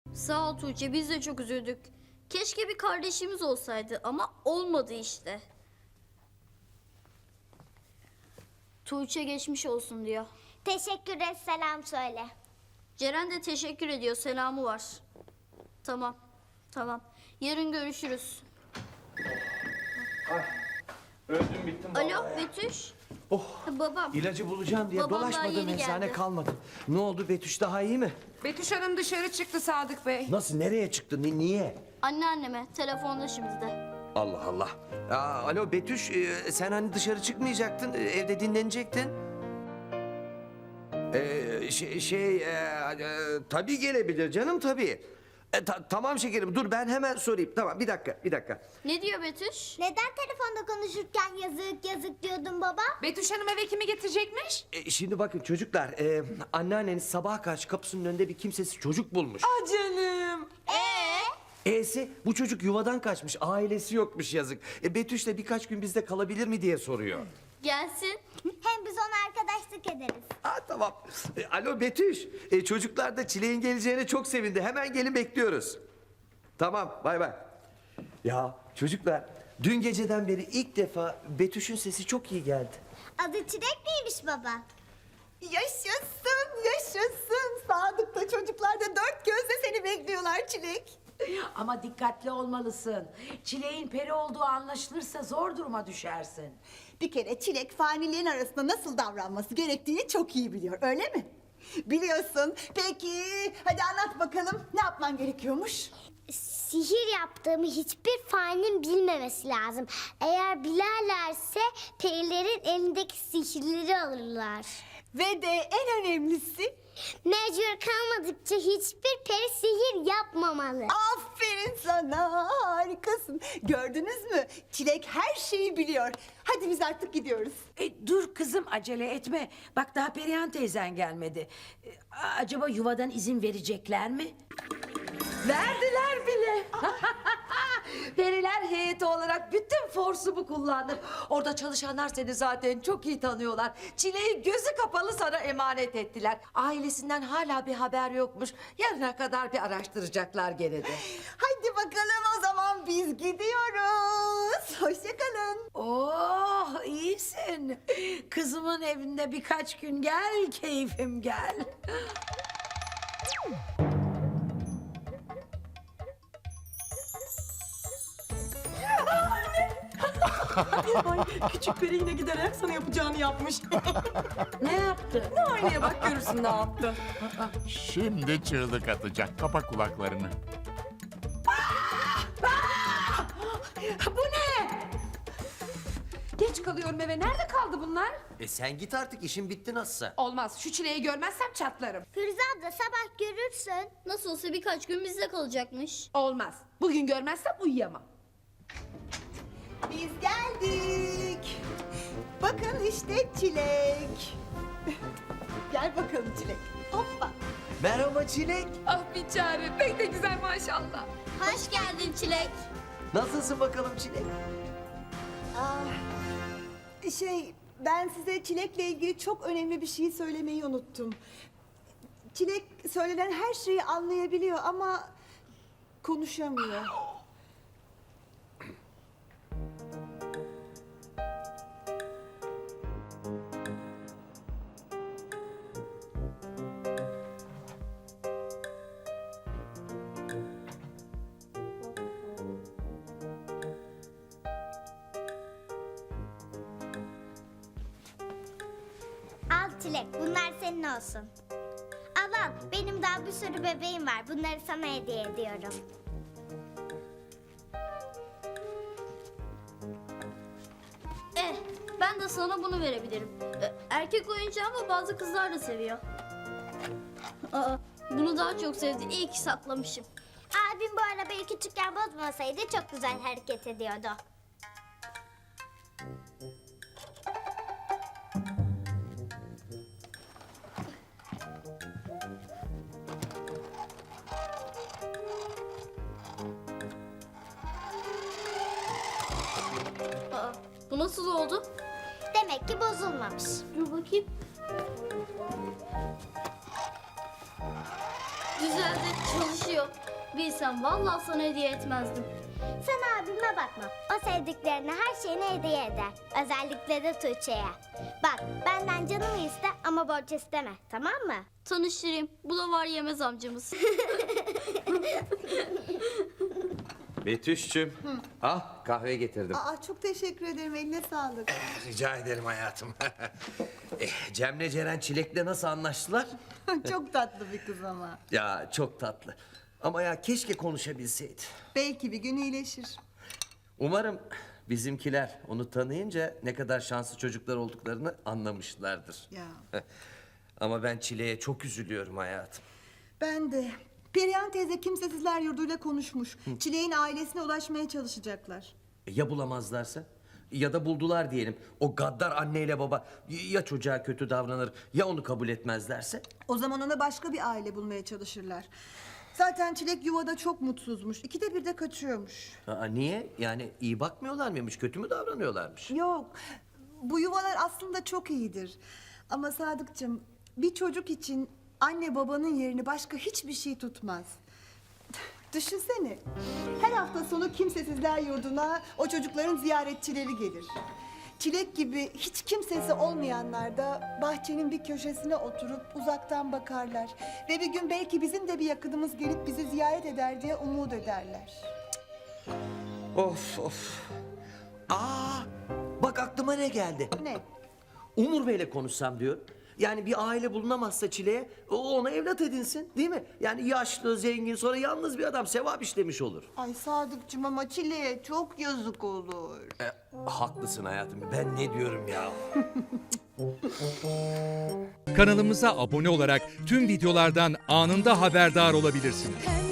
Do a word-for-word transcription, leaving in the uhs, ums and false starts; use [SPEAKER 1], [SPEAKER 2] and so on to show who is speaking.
[SPEAKER 1] Sağ ol Tuğçe, biz de çok üzüldük. Keşke bir kardeşimiz olsaydı ama olmadı işte. Tuğçe geçmiş olsun diyor.
[SPEAKER 2] Teşekkür et, selam söyle.
[SPEAKER 1] Ceren de teşekkür ediyor, selamı var. Tamam, tamam. Yarın görüşürüz.
[SPEAKER 3] Ay, öldüm bittim vallahi
[SPEAKER 1] Alo
[SPEAKER 3] ya.
[SPEAKER 1] Betüş.
[SPEAKER 3] Oh,
[SPEAKER 1] Babam.
[SPEAKER 3] ilacı bulacağım diye
[SPEAKER 1] Babam daha
[SPEAKER 3] dolaşmadım,
[SPEAKER 1] yeni
[SPEAKER 3] eczane
[SPEAKER 1] geldi.
[SPEAKER 3] kalmadı. Ne oldu, Betüş daha iyi mi?
[SPEAKER 4] Betüş Hanım dışarı çıktı Sadık Bey.
[SPEAKER 3] Nasıl, nereye çıktı, ni- niye?
[SPEAKER 1] Anneanneme, telefonda şimdi de.
[SPEAKER 3] Allah Allah. Aa, alo Betüş, e, sen hani dışarı çıkmayacaktın, e, evde dinlenecektin. Ee, şey, şey e, e, tabii gelebilir canım, tabii. E, ta- tamam şekerim, dur ben hemen sorayım. Tamam, bir dakika, bir dakika.
[SPEAKER 1] Ne diyor Betüş?
[SPEAKER 2] Neden telefonda konuşurken yazık yazık diyordun baba?
[SPEAKER 4] Betüş Hanım eve kimi getirecekmiş?
[SPEAKER 3] E, şimdi bakın çocuklar, e, anneanneniz sabaha karşı kapısının önünde bir kimsesiz çocuk bulmuş.
[SPEAKER 4] Ah canım.
[SPEAKER 2] Ee?
[SPEAKER 3] E'si bu çocuk yuvadan kaçmış, ailesi yokmuş yazık. E, Betüş de birkaç gün bizde kalabilir mi diye soruyor.
[SPEAKER 1] Gelsin.
[SPEAKER 2] Hem biz ona arkadaşlık ederiz.
[SPEAKER 3] Ha tamam. E, alo Betüş, e, çocuklar da Çilek'in geleceğine çok sevindi. Hemen gelin, bekliyoruz. Tamam, bay bay. Ya çocuklar, dün geceden beri ilk defa Betüş'ün sesi çok iyi geldi.
[SPEAKER 2] Adı Çilek miymiş baba?
[SPEAKER 5] Yaşasın, yaşasın. Sadık'ta çocuklar da dört gözle seni bekliyorlar Çilek.
[SPEAKER 6] Ama dikkatli olmalısın. Çileğin peri olduğu anlaşılırsa zor duruma düşersin.
[SPEAKER 5] Bir kere Çilek fanilerin arasında nasıl davranması gerektiğini çok iyi biliyor, öyle mi? Biliyorsun. Peki, hadi anlat bakalım ne yapman gerekiyormuş?
[SPEAKER 2] Sihir yaptığımı hiçbir faninin bilmemesi lazım. Eğer bilerlerse perilerin elindeki sihirleri alırlar.
[SPEAKER 5] Ve de en önemlisi,
[SPEAKER 2] Mecbur kalmadıkça hiçbir peri sihir yapmamalı.
[SPEAKER 5] aferin sana, harikasın. Gördünüz mü? Çilek her şeyi biliyor. Hadi biz artık gidiyoruz.
[SPEAKER 6] E, dur kızım, acele etme. Bak daha Perihan teyzen gelmedi. E, acaba yuvadan izin verecekler mi?
[SPEAKER 7] Verdiler bile. Periler heyeti olarak bütün forsumu kullandım. Orada çalışanlar seni zaten çok iyi tanıyorlar. Çileği gözü kapalı sana emanet ettiler. Ailesinden hala bir haber yokmuş. Yarına kadar bir araştıracaklar gene de.
[SPEAKER 5] Hadi bakalım o zaman biz gidiyoruz. Hoşça kalın.
[SPEAKER 6] Oh, iyisin. Kızımın evinde birkaç gün gel, keyfim gel.
[SPEAKER 8] Küçük peri yine giderek sana yapacağını yapmış.
[SPEAKER 6] Ne yaptı?
[SPEAKER 8] Aynaya bak görürsün ne yaptı.
[SPEAKER 9] Şimdi çığlık atacak. Kapa kulaklarını.
[SPEAKER 6] Bu ne?
[SPEAKER 4] Geç kalıyorum eve. Nerede kaldı bunlar?
[SPEAKER 3] E sen git artık, işin bitti nasılsa.
[SPEAKER 4] Olmaz. Şu çileği görmezsem çatlarım.
[SPEAKER 2] Firuze abla sabah görürsün.
[SPEAKER 1] Nasıl olsa birkaç gün bizde kalacakmış.
[SPEAKER 4] Olmaz. Bugün görmezsem uyuyamam.
[SPEAKER 5] Biz geldik. Bakın işte Çilek. Gel bakalım Çilek. Hoppa.
[SPEAKER 3] Merhaba Çilek.
[SPEAKER 4] Ah bir çare. Pek de güzel maşallah.
[SPEAKER 1] Hoş geldin Çilek.
[SPEAKER 3] Nasılsın bakalım Çilek?
[SPEAKER 5] Aa, şey, ben size Çilek'le ilgili çok önemli bir şey söylemeyi unuttum. Çilek söylenen her şeyi anlayabiliyor ama konuşamıyor.
[SPEAKER 2] Al Çilek, bunlar senin olsun. Al al, benim daha bir sürü bebeğim var. Bunları sana hediye ediyorum.
[SPEAKER 1] Eh, ben de sana bunu verebilirim. Eh, erkek oyuncağı ama bazı kızlar da seviyor. Aa, bunu daha çok sevdi. İyi ki saklamışım.
[SPEAKER 2] Abim bu arabayı küçükken bozmasaydı çok güzel hareket ediyordu.
[SPEAKER 1] Aa, bu nasıl oldu?
[SPEAKER 2] Demek ki bozulmamış.
[SPEAKER 1] Dur bakayım. güzel de çalışıyor. Bilsem vallahi sana hediye etmezdim.
[SPEAKER 2] Sen abime bakma. O sevdiklerine her şeyini hediye eder. Özellikle de Tuğçe'ye. Bak benden canımı iste ama borç isteme. Tamam mı?
[SPEAKER 1] Tanıştırayım. Bu da var yemez amcamız.
[SPEAKER 3] Betüş'cüm. Al kahve getirdim.
[SPEAKER 5] Aa, çok teşekkür ederim. Eline sağlık.
[SPEAKER 3] Rica ederim hayatım. eh, Cem'le Ceren Çilek'le nasıl anlaştılar?
[SPEAKER 5] Çok tatlı bir kız ama.
[SPEAKER 3] Ya çok tatlı. Ama ya keşke konuşabilseydi.
[SPEAKER 5] Belki bir gün iyileşir.
[SPEAKER 3] Umarım bizimkiler onu tanıyınca ne kadar şanslı çocuklar olduklarını anlamışlardır.
[SPEAKER 5] Ya.
[SPEAKER 3] Ama ben Çilek'e çok üzülüyorum hayatım.
[SPEAKER 5] Ben de. Perihan teyze kimsesizler yurduyla konuşmuş. Çilek'in ailesine ulaşmaya çalışacaklar.
[SPEAKER 3] E, Ya bulamazlarsa? Ya da buldular diyelim. O gaddar anneyle baba ya çocuğa kötü davranır ya onu kabul etmezlerse?
[SPEAKER 5] O zaman ona başka bir aile bulmaya çalışırlar. Zaten Çilek yuvada çok mutsuzmuş. İkide bir de kaçıyormuş.
[SPEAKER 3] Aa, niye? Yani iyi bakmıyorlar mıymış? Kötü mü davranıyorlarmış?
[SPEAKER 5] Yok. Bu yuvalar aslında çok iyidir. Ama Sadıkçım bir çocuk için anne babanın yerini başka hiçbir şey tutmaz. Düşünsene. Her hafta sonu kimsesizler yurduna o çocukların ziyaretçileri gelir. Çilek gibi hiç kimsesi olmayanlar da bahçenin bir köşesine oturup uzaktan bakarlar. Ve bir gün belki bizim de bir yakınımız gelip bizi ziyaret eder diye umut ederler.
[SPEAKER 3] Of of. Aa, bak aklıma ne geldi?
[SPEAKER 5] Ne?
[SPEAKER 3] Umur Bey'le konuşsam diyor. Yani bir aile bulunamazsa Çile'ye o ona evlat edinsin değil mi? Yani yaşlı, zengin sonra yalnız bir adam sevap işlemiş olur.
[SPEAKER 5] Ay Sadıkçım ama Çilek'e çok yazık olur.
[SPEAKER 3] E, haklısın hayatım. Ben ne diyorum ya?
[SPEAKER 10] Kanalımıza abone olarak tüm videolardan anında haberdar olabilirsiniz.
[SPEAKER 11] Hem